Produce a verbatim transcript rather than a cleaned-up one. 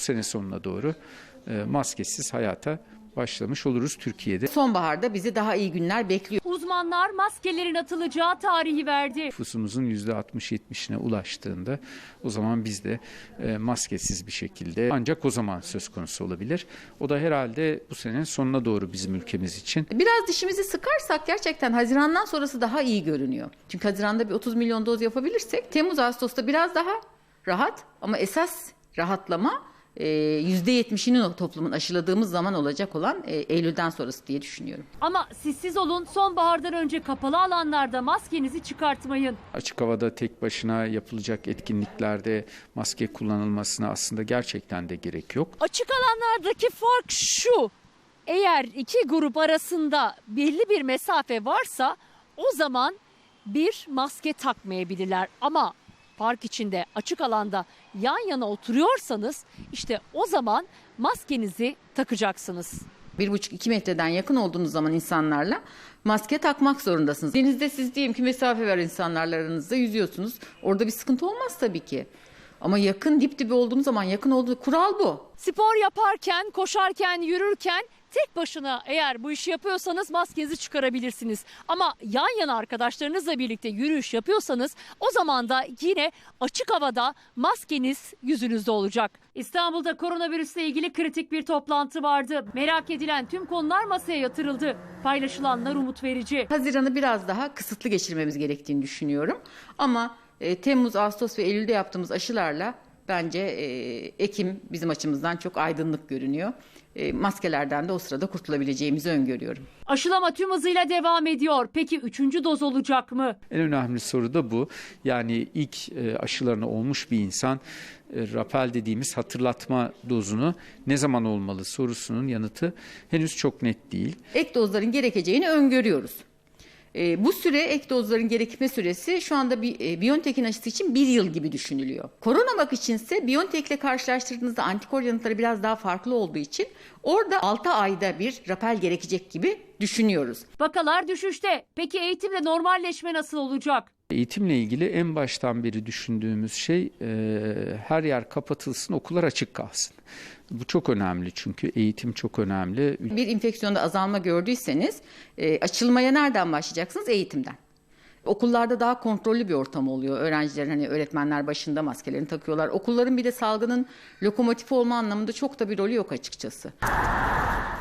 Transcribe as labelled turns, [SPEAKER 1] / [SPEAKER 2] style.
[SPEAKER 1] sene sonuna doğru e, maskesiz hayata başlamış oluruz Türkiye'de.
[SPEAKER 2] Sonbaharda bizi daha iyi günler bekliyor.
[SPEAKER 3] Uzmanlar maskelerin atılacağı tarihi verdi.
[SPEAKER 1] Nüfusumuzun yüzde altmış yetmişine ulaştığında o zaman biz de e, maskesiz bir şekilde ancak o zaman söz konusu olabilir. O da herhalde bu senenin sonuna doğru bizim ülkemiz için.
[SPEAKER 2] Biraz dişimizi sıkarsak gerçekten Haziran'dan sonrası daha iyi görünüyor. Çünkü Haziran'da bir otuz milyon doz yapabilirsek Temmuz Ağustos'ta biraz daha rahat ama esas rahatlama yüzde yetmişini toplumun aşıladığımız zaman olacak olan Eylül'den sonrası diye düşünüyorum.
[SPEAKER 3] Ama sessiz olun, sonbahardan önce kapalı alanlarda maskenizi çıkartmayın.
[SPEAKER 1] Açık havada tek başına yapılacak etkinliklerde maske kullanılmasına aslında gerçekten de gerek yok.
[SPEAKER 3] Açık alanlardaki fark şu: eğer iki grup arasında belli bir mesafe varsa o zaman bir maske takmayabilirler. Ama park içinde, açık alanda yan yana oturuyorsanız işte o zaman maskenizi takacaksınız.
[SPEAKER 2] Bir buçuk iki metreden yakın olduğunuz zaman insanlarla maske takmak zorundasınız. Denizde siz diyelim ki mesafe var insanlarla aranızda, yüzüyorsunuz. Orada bir sıkıntı olmaz tabii ki. Ama yakın, dip dibe olduğunuz zaman yakın olduğu kural bu.
[SPEAKER 3] Spor yaparken, koşarken, yürürken tek başına eğer bu işi yapıyorsanız maskenizi çıkarabilirsiniz. Ama yan yana arkadaşlarınızla birlikte yürüyüş yapıyorsanız o zaman da yine açık havada maskeniz yüzünüzde olacak. İstanbul'da koronavirüsle ilgili kritik bir toplantı vardı. Merak edilen tüm konular masaya yatırıldı. Paylaşılanlar umut verici.
[SPEAKER 2] Haziran'ı biraz daha kısıtlı geçirmemiz gerektiğini düşünüyorum. Ama e, Temmuz, Ağustos ve Eylül'de yaptığımız aşılarla bence e, Ekim bizim açımızdan çok aydınlık görünüyor. E, maskelerden de o sırada kurtulabileceğimizi öngörüyorum.
[SPEAKER 3] Aşılama tüm hızıyla devam ediyor. Peki üçüncü doz olacak mı?
[SPEAKER 1] En önemli soru da bu. Yani ilk e, aşılarını olmuş bir insan e, rapel dediğimiz hatırlatma dozunu ne zaman olmalı sorusunun yanıtı henüz çok net değil.
[SPEAKER 2] Ek dozların gerekeceğini öngörüyoruz. E, bu süre, ek dozların gerekme süresi şu anda bir e, BioNTech'in aşısı için bir yıl gibi düşünülüyor. Coronavac içinse BioNTech'le karşılaştırdığınızda antikor yanıtları biraz daha farklı olduğu için orada altı ayda bir rapel gerekecek gibi düşünüyoruz.
[SPEAKER 3] Vakalar düşüşte. Peki eğitimde normalleşme nasıl olacak?
[SPEAKER 1] Eğitimle ilgili en baştan beri düşündüğümüz şey e, her yer kapatılsın, okullar açık kalsın. Bu çok önemli çünkü eğitim çok önemli.
[SPEAKER 2] Bir enfeksiyonda azalma gördüyseniz e, açılmaya nereden başlayacaksınız? Eğitimden. Okullarda daha kontrollü bir ortam oluyor. Öğrencilerin hani öğretmenler başında maskelerini takıyorlar. Okulların bir de salgının lokomotifi olma anlamında çok da bir rolü yok açıkçası.